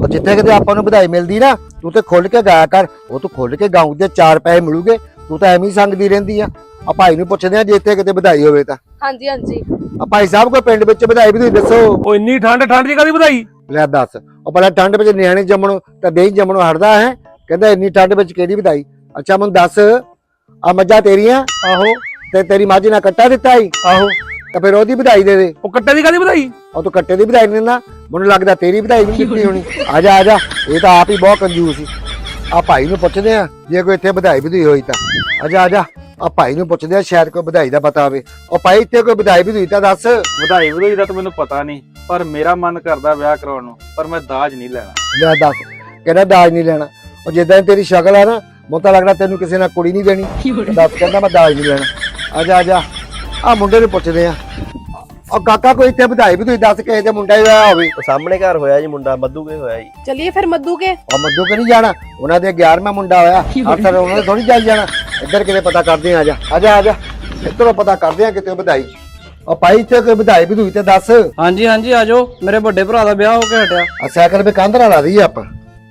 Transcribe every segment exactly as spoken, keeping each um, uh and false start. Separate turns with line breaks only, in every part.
जिथे किते आपां नूं बधाई मिलदी ना तू तो खुल के गाया कर। वो तू खुल के गाऊं ते चार पैसे मिलूगे। तू तो एवें ही संगदी रहिंदी आ। आ भाई नूं पुछदे आ जे इत्थे किते बधाई होवे तां।
ਹਾਂਜੀ ਹਾਂਜੀ
आ भाई साहब कोई पिंड विच बधाई बधूई दसो।
ਉਹ ਇੰਨੀ ਠੰਡ ਠੰਡ ਜੀ ਕਾਦੀ ਵਧਾਈ?
ਲੈ दस ओ पहले ठंड विच नियाणे जम्मणों तां दही जम्मणों हटदा है। कहंदा इन्नी ठंड विच किहड़ी बधाई। अच्छा मैनूं दस आ मੱਝਾਂ तेरियां
ਆਹੋ
ते तेरी मੱਝ ने कट्टा दित्ता ही
ਆਹੋ
तां फिर ओहदी बधाई दे दे।
ਉਹ ਕੱਟੇ ਦੀ ਕਾਦੀ ਵਧਾਈ?
और तू कट्टे दी बधाई नहीं दिंदा मैनूं लगदा तेरी बधाई नहीं दित्ती होनी। आजा आजा ये तो आप ही बहुत कंजूस ही। आ भाई नूं पुछदे आ जे कोई इत्थे बधाई बधूई होई तां। आजा आजा आ भाई नूं पुछदे आ शायद कोई बधाई दा पता होवे। ओ भाई इत्थे कोई बधाई बधूई तां दस।
ਵਧਾਈ ਵਧਾਈ ਦਾ ਤਾਂ ਮੈਨੂੰ ਪਤਾ ਨਹੀਂ ਪਰ ਮੇਰਾ ਮਨ ਕਰਦਾ ਵਿਆਹ ਕਰਾਉਣ ਨੂੰ ਪਰ ਮੈਂ ਦਾਜ ਨਹੀਂ ਲੈਣਾ।
ਲੈ दस कहना दाज नहीं लेना। और जिद्दां तेरी शक्ल है ना ਮੈਨੂੰ ਤਾਂ ਲੱਗਦਾ ਤੈਨੂੰ ਕਿਸੇ ਨਾਲ ਕੁੜੀ ਨਹੀਂ ਦੇਣੀ। ਦੱਸ ਕਹਿੰਦਾ ਮੈਂ ਦਾਜ ਨਹੀਂ ਲੈਣਾ। ਆਜਾ ਆਜਾ ਆ ਮੁੰਡੇ ਨੂੰ ਪੁੱਛਦੇ ਆ। ਉਹ ਕਾਕਾ ਕੋਈ ਇੱਥੇ ਵਧਾਈ ਵੀ ਤੁਸੀਂ ਦੱਸ ਕਿਸੇ ਦੇ ਮੁੰਡਾ ਹੀ ਹੋਇਆ ਹੋਵੇ।
ਸਾਹਮਣੇ ਘਰ ਹੋਇਆ ਜੀ ਮੁੰਡਾ ਮੱਧੂ ਕੇ ਹੋਇਆ ਜੀ।
ਚਲਿਏ ਫਿਰ ਮੱਦੂ ਕੇ।
ਉਹ ਮੱਦੂ ਕੇ ਨਹੀਂ ਜਾਣਾ ਉਹਨਾਂ ਦੇ ਗਿਆਰਵਾਂ ਮੁੰਡਾ ਹੋਇਆ ਅਫਸਰ ਉਹਨਾਂ ਨੇ ਥੋੜੀ ਜਾਈ ਜਾਣਾ। ਇੱਧਰ ਕਿਤੇ ਪਤਾ ਕਰਦੇ ਆ। ਆਜਾ ਆਜਾ ਆਜਾ ਇੱਧਰੋਂ ਪਤਾ ਕਰਦੇ ਆ ਕਿਤੇ ਵਧਾਈ। ਉਹ ਭਾਈ ਇੱਥੇ ਕੋਈ ਵਧਾਈ ਵਧੂਈ ਤੇ ਦੱਸ।
ਹਾਂਜੀ ਹਾਂਜੀ ਆ ਜਾਓ ਮੇਰੇ ਵੱਡੇ ਭਰਾ ਦਾ ਵਿਆਹ ਹੋ ਕੇ ਹਟਿਆ।
ਆ ਸਾਈਕਲ 'ਤੇ ਕੰਧ ਨਾਲ ਲਾ ਦਈਏ ਆਪਾਂ।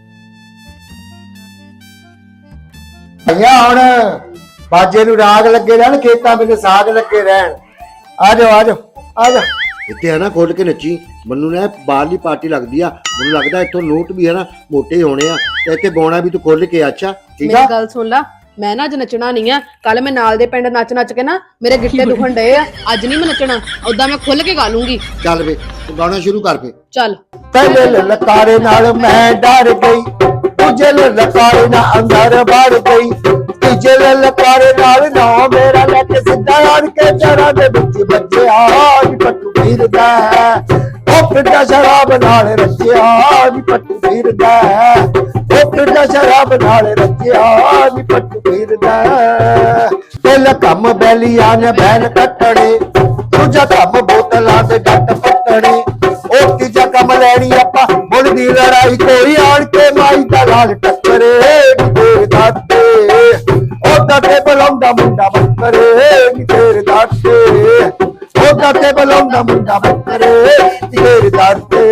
ਭਈਆ ਹੁਣ ਬਾਜੇ ਨੂੰ ਰਾਗ ਲੱਗੇ ਰਹਿਣ ਖੇਤਾਂ ਵਿੱਚ ਸਾਗ ਲੱਗੇ ਰਹਿਣ। ਆ ਜਾਓ ਆ ਜਾਓ ਆ ਜਾ ਇੱਥੇ ਹੈ ਨਾ ਖੋਲ ਕੇ ਨੱਚੀ। ਮੈਨੂੰ ਨਾ ਬਾਹਰਲੀ ਪਾਰਟੀ ਲੱਗਦੀ ਆ। ਮੈਨੂੰ ਲੱਗਦਾ ਇੱਥੋਂ ਨੋਟ ਵੀ ਹੈ ਨਾ ਮੋਟੇ ਹੋਣੇ ਆ ਤੇ ਇੱਥੇ ਗਾਉਣਾ ਵੀ ਤੂੰ ਖੋਲ ਕੇ। ਅੱਛਾ ਠੀਕ ਆ
ਮੇਰੀ ਗੱਲ ਸੁਣ ਲਾ ਮੈਂ ਨਾ ਅੱਜ ਨੱਚਣਾ ਨਹੀਂ ਆ। ਕੱਲ ਮੈਂ ਨਾਲ ਦੇ ਪਿੰਡ ਨੱਚ ਨੱਚ ਕੇ ਨਾ ਮੇਰੇ ਗਿੱਟੇ ਦੁਖਣ ਡਏ ਆ। ਅੱਜ ਨਹੀਂ ਮੈਂ ਨੱਚਣਾ ਉਦਾਂ ਮੈਂ ਖੁੱਲ ਕੇ ਗਾ ਲੂੰਗੀ।
ਚੱਲ ਵੇ ਤੂੰ ਗਾਣਾ ਸ਼ੁਰੂ ਕਰ ਫੇ।
ਚੱਲ
ਪਹਿਲੇ ਲਲਕਾਰੇ ਨਾਲ ਮੈਂ ਡਰ ਗਈ ਦੂਜੇ ਲਲਕਾਰੇ ਨਾਲ ਅੰਦਰ ਵੜ ਗਈ ਤੀਜੇ ਲਲਕਾਰੇ ਨਾਲ ਨਾ ਮੇਰਾ ਲੈ ਕੇ ਸਿੱਧਾ ਆਣ ਕੇ ਚਰਾਂ ਦੇ ਵਿੱਚ ਵੱਜਿਆ ਨੀ ਪੱਟੂ ਫਿਰਦਾ ਉਹ ਫਿਰਦਾ ਸ਼ਰਾਬ ਨਾਲ ਰੱਜਿਆ ਨੀ ਪੱਟੂ ਫਿਰਦਾ ਉਹ ਫਿਰਦਾ ਸ਼ਰਾਬ ਨਾਲ ਰੱਜਿਆ ਨੀ ਪੱਟੂ ਫਿਰਦਾ। ਪਹਿਲਾ ਕੰਮ ਬੈਲੀਆਂ ਨੇ ਬੈਨ ਕੱਟਣੇ ਦੂਜਾ ਕੰਮ ਬੋਤਲਾਂ ਦੇ ਡੱਟ ਪੱਟਣੇ ਉਹ ਤੀਜਾ ਕੰਮ ਲੈਣੀ ਆਪਾਂ ਮੁੱਲ ਦੀ ਲੜਾਈ ਕੋਈ ਆਣ ਕੇ ਮਾਈ ਦਾ ਲਾਲ ਟੱਕਰੇ ਨੀ ਤੇਰੇ ਦਾਤੇ ਉਹ ਦਾਤੇ ਬੁਲਾਉਂਦਾ ਮੁੰਡਾ ਬੱਕਰੇ ਨੀ ਤੇਰੇ ਦਾਤੇ ਉਹ ਦਾਤੇ ਬੁਲਾਉਂਦਾ ਮੁੰਡਾ ਬੱਕਰੇ ਨੀ ਤੇਰੇ ਦਾਤੇ।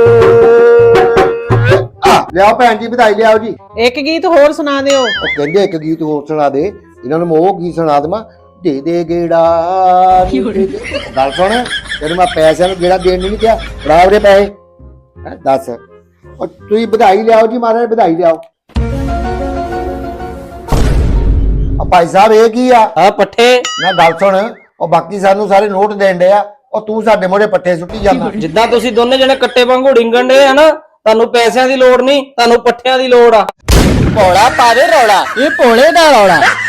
ਆ ਲਿਆਓ ਭੈਣ ਜੀ ਵਧਾਈ ਲਿਆਓ ਜੀ।
ਇੱਕ ਗੀਤ ਹੋਰ ਸੁਣਾ ਦਿਓ।
ਉਹ ਕਹਿੰਦੇ ਇੱਕ ਗੀਤ ਹੋਰ ਸੁਣਾ ਦੇ। ਇਹਨਾਂ ਨੂੰ ਮੈਂ ਉਹ ਗੀਤ ਸੁਣਾ ਦੇਵਾਂ ਦੇ ਦੇ ਗੇੜਾ। ਗੱਲ ਸੁਣ ਤੈਨੂੰ ਮੈਂ ਪੈਸਿਆਂ ਨੂੰ ਗੇੜਾ ਦੇਣ ਨਹੀਂ ਕਿਹਾ ਬਰਾਬਰ ਦੇ ਪੈਸੇ ਹੈ ਦੱਸ। ਉਹ ਤੁਸੀਂ ਵਧਾਈ ਲਿਆਓ ਜੀ ਮਹਾਰਾਜ ਵਧਾਈ ਲਿਆਓ। ਆ ਭਾਈ ਸਾਹਿਬ ਇਹ ਕੀ ਆ?
ਆ ਪੱਠੇ
ਨਾ ਗੱਲ ਸੁਣ ਉਹ ਬਾਕੀ ਸਾਨੂੰ ਸਾਰੇ ਨੋਟ ਦੇਣ ਡਏ ਆ ਉਹ ਤੂੰ ਸਾਡੇ ਮੋੜੇ ਪੱਠੇ ਸੁੱਟੀ ਜਾਂਦਾ।
ਜਿੱਦਾਂ ਤੁਸੀਂ ਦੋਨੇ ਜਣੇ ਕੱਟੇ ਵਾਂਗੂ ਡਿੰਗਣ ਡੇ ਆ ਨਾ ਤੁਹਾਨੂੰ ਪੈਸਿਆਂ ਦੀ ਲੋੜ ਨਹੀਂ ਤੁਹਾਨੂੰ ਪੱਠਿਆਂ ਦੀ ਲੋੜ ਆ।
ਭੋਲਾ ਪਾਵੇ ਰੌਲਾ ਇਹ ਭੋਲੇ ਦਾ ਰੌਲਾ।